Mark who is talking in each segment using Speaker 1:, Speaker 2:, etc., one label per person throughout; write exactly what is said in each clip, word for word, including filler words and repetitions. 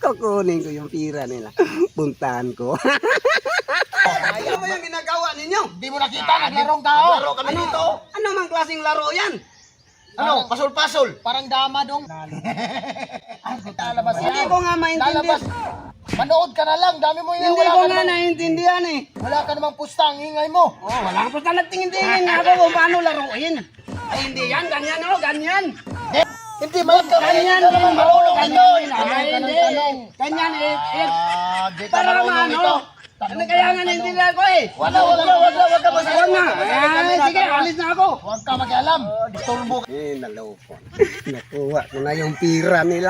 Speaker 1: Kukunin ko yung pira nila. Puntahan ko. Ano ba yung ginagawa ninyo?
Speaker 2: Di mo nakita, naglarong tao.
Speaker 1: Laro kami
Speaker 2: Ano?
Speaker 1: dito. Ano mang klaseng laro yan?
Speaker 2: Ano?
Speaker 1: Pasol-pasol.
Speaker 2: Parang dama dong. Lalabas
Speaker 1: Hindi
Speaker 2: yan.
Speaker 1: ko nga
Speaker 2: Lalabas.
Speaker 1: maintindihan.
Speaker 2: Manood ka na lang. Dami mo yan.
Speaker 1: Hindi
Speaker 2: Wala
Speaker 1: ko
Speaker 2: ka
Speaker 1: nga
Speaker 2: namang,
Speaker 1: naiintindihan eh.
Speaker 2: wala ka namang pusta. Ang ingay mo.
Speaker 1: Oh, wala ko pa nagtingin-tingin nga ako kung paano laruin. Ay, hindi yan. Ganyan oh, ganyan.
Speaker 2: Hindi, malag ka.
Speaker 1: Ganyan
Speaker 2: Hindi ka
Speaker 1: din.
Speaker 2: naman marunong ito.
Speaker 1: Ganyan.
Speaker 2: Tanong
Speaker 1: Ay,
Speaker 2: ka ng
Speaker 1: hindi.
Speaker 2: tanong.
Speaker 1: Ganyan eh. eh.
Speaker 2: Ah, di ka
Speaker 1: Para
Speaker 2: marunong
Speaker 1: naman
Speaker 2: ito.
Speaker 1: ano. Ano kaya nga naiintindihan ko eh.
Speaker 2: Wala, wala, wala, wala, wala ka basta.
Speaker 1: Huwag nga. Ay, sige, alis na ako.
Speaker 2: Huwag ka mag-alam. Disturbo.
Speaker 1: Eh, naloko. Nakuha ko na yung pira nila.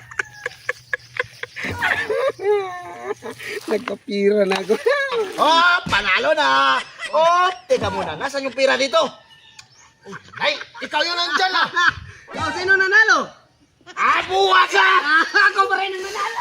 Speaker 1: Nagkapira na ako.
Speaker 2: Oh, panalo na. Oh, teka muna. Nasaan yung pira dito? Ay, ikaw yung nandyan ah.
Speaker 1: Oh, sino nanalo?
Speaker 2: Ah, buwa ka.
Speaker 1: Ah, ako pa rin ang nanalo.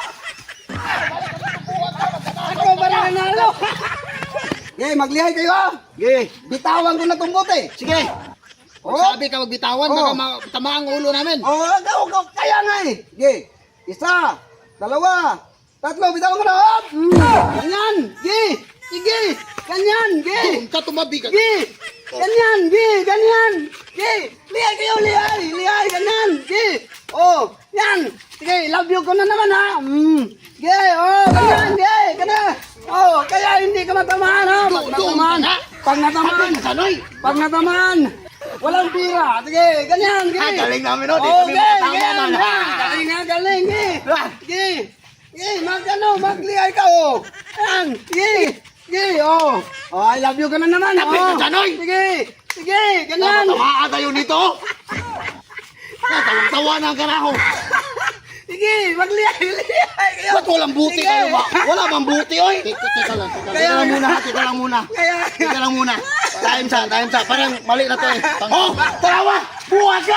Speaker 1: Ako pa rin ang nanalo. Ge, maglihay kayo. Ge, bitawan ko na tong bote.
Speaker 2: Sige.
Speaker 1: Oh.
Speaker 2: Sabi ka magbitawan,
Speaker 1: Oh.
Speaker 2: baka ma- tama ang ulo namin.
Speaker 1: Oh, ikaw, ikaw, kaya nga eh. Ge, isa, dalawa, tatlo, bitawan ko na. Hop! Ganyan, ge, sige, ganyan, ge.
Speaker 2: Kung ka tumabi ka.
Speaker 1: Gi! Ganyan! Gi! Ganyan! Gi! Lihay kayo! Lihay! Lihay! Ganyan! Gi! Oh! Yan! Sige! Love you ko na naman ha! Mm. Gi! Oh! Ganyan! Gi! Gana! Oh! Kaya hindi ka matamaan ha! Pag natamaan! Pag natamaan!
Speaker 2: Sanoy!
Speaker 1: Pag natamaan! Walang pira! Sige! Ganyan! Gi!
Speaker 2: Ah, galing namin, no? Di
Speaker 1: Oh!
Speaker 2: kami
Speaker 1: Gi!
Speaker 2: makatama,
Speaker 1: Gi!
Speaker 2: man.
Speaker 1: Ha! Galing nga! Galing! Gi! Gi! Gi! Mag ano! Maglihay ka oh! Yan! Gi! Sige, oh. Oh, I love you ka na naman.
Speaker 2: Lapit
Speaker 1: Oh.
Speaker 2: ka, Janoy.
Speaker 1: Sige, sige, ganyan.
Speaker 2: Tatamaan kayo nito. Tawang-tawa na ang karaho.
Speaker 1: Sige, maglihay-lihay kayo.
Speaker 2: Ba't walang buti
Speaker 1: Sige.
Speaker 2: kayo ba? Wala bang buti, oy? Teka, teka lang, teka lang. Teka lang muna, ha? Teka lang muna.
Speaker 1: Kaya,
Speaker 2: Teka lang muna. Time sa, time sa. Parang mali na to eh. Oh, tawa! Buwa ka!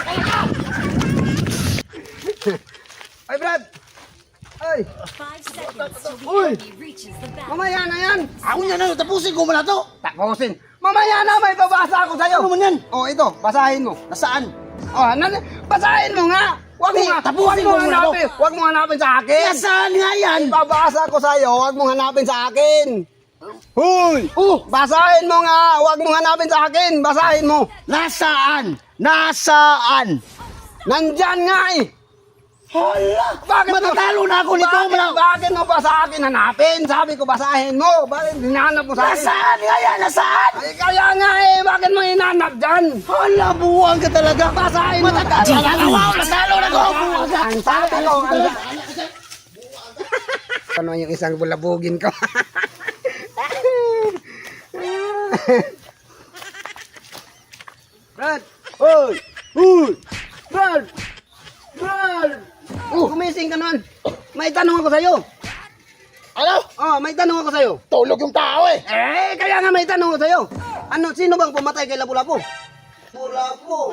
Speaker 1: ay Brad. Ay,
Speaker 3: Five seconds till the
Speaker 1: Uy.
Speaker 3: enemy reaches the battle.
Speaker 1: mamaya na yan.
Speaker 2: Ako niya na, tapusin ko muna to.
Speaker 1: Tapusin. Mamaya na, may babasa ako sa'yo.
Speaker 2: Ano man yan?
Speaker 1: Oh, ito, basahin mo.
Speaker 2: Nasaan?
Speaker 1: Oh, nan basahin mo nga. Huwag mo
Speaker 2: Hindi,
Speaker 1: nga,
Speaker 2: tapusin
Speaker 1: huwag mo
Speaker 2: mo muna
Speaker 1: hanapin. Huwag mo hanapin sa akin.
Speaker 2: Nasaan nga yan?
Speaker 1: Babasa ko sa'yo, huwag mong hanapin sa akin. Huy!
Speaker 2: Oh,
Speaker 1: Basahin mo nga, huwag mong hanapin sa akin. Basahin mo.
Speaker 2: nasaan? Nasaan?
Speaker 1: Nandyan nga eh.
Speaker 2: Hala!
Speaker 1: Bakit mo-
Speaker 2: Matatalo na ako nito.
Speaker 1: Bakit,
Speaker 2: Mala-
Speaker 1: bakit mo pa sa akin hanapin? Sabi ko basahin mo. Bakit hinahanap mo sa akin?
Speaker 2: Nasaan nga yan? Nasaan?
Speaker 1: Ay, kaya nga eh. Bakit mo hinahanap dyan?
Speaker 2: Hala, buwang ka talaga.
Speaker 1: Basahin mo.
Speaker 2: Matatalo na ako. Matatalo na ako. Buwang ka.
Speaker 1: Ang sabi ko. Ano, ano yung isang bulabugin ko? Brad! Hoy! Hoy! Brad! Brad! Oh, gumising ka naman. May tanong ako sa'yo.
Speaker 2: Ano?
Speaker 1: Oh, may tanong ako sa'yo.
Speaker 2: Tulog yung tao eh.
Speaker 1: Eh, kaya nga may tanong ako sa'yo. Ano, sino bang pumatay kay Lapu-Lapu? Lapu-Lapu.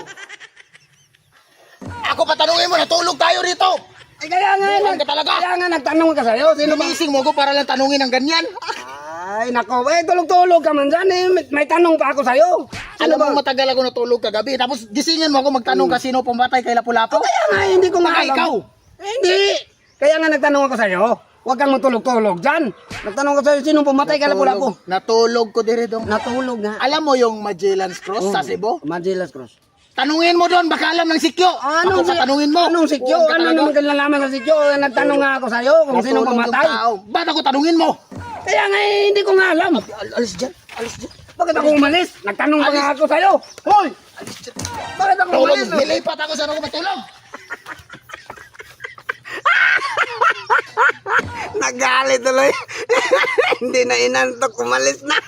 Speaker 2: Ako patanungin mo, natulog tayo rito.
Speaker 1: Eh, kaya nga,
Speaker 2: Buwan
Speaker 1: nag,
Speaker 2: ka talaga.
Speaker 1: kaya nga nagtanong ka sa'yo. Sino bang...
Speaker 2: Sinumising mo ko para lang tanungin ng ganyan.
Speaker 1: Ay, nako, eh, tulog-tulog ka man dyan eh. May, may tanong pa ako sa'yo. Sino
Speaker 2: Alam mo,
Speaker 1: ba?
Speaker 2: matagal ako natulog kagabi. Tapos gisingin mo ako magtanong ka sino pumatay kay Lapu-Lapu.
Speaker 1: Kaya nga, eh, hindi ko nga
Speaker 2: Baka
Speaker 1: alam.
Speaker 2: ikaw.
Speaker 1: Eh, hindi. Kaya nga nagtanong ako sa'yo. Huwag kang matulog-tulog dyan. Nagtanong ko sa'yo, sino pumatay kay Lapu-Lapu?
Speaker 2: Natulog ko dire dong.
Speaker 1: Natulog nga.
Speaker 2: Alam mo yung Magellan's Cross sa Cebu?
Speaker 1: Magellan's Cross.
Speaker 2: Tanungin mo doon, baka alam ng sikyo.
Speaker 1: Anong
Speaker 2: Ako pa tanungin mo.
Speaker 1: Anong sikyo?
Speaker 2: Buwan ka
Speaker 1: Ano
Speaker 2: talaga.
Speaker 1: naman kinalaman sa sikyo? Eh, Nagtanong nga ako sa'yo kung sino
Speaker 2: Natulog yung
Speaker 1: pumatay.
Speaker 2: tao. Ba't ako tanungin mo?
Speaker 1: Kaya nga eh, hindi ko nga alam.
Speaker 2: Al- alis dyan, alis dyan.
Speaker 1: Bakit ako umalis? Nagtanong pa nga ako sa'yo. Hoy! Bakit ako
Speaker 2: Tulog,
Speaker 1: umalis?
Speaker 2: nilipat ako sa ako matulog.
Speaker 1: Nagalit tuloy. Hindi na inantok, umalis na.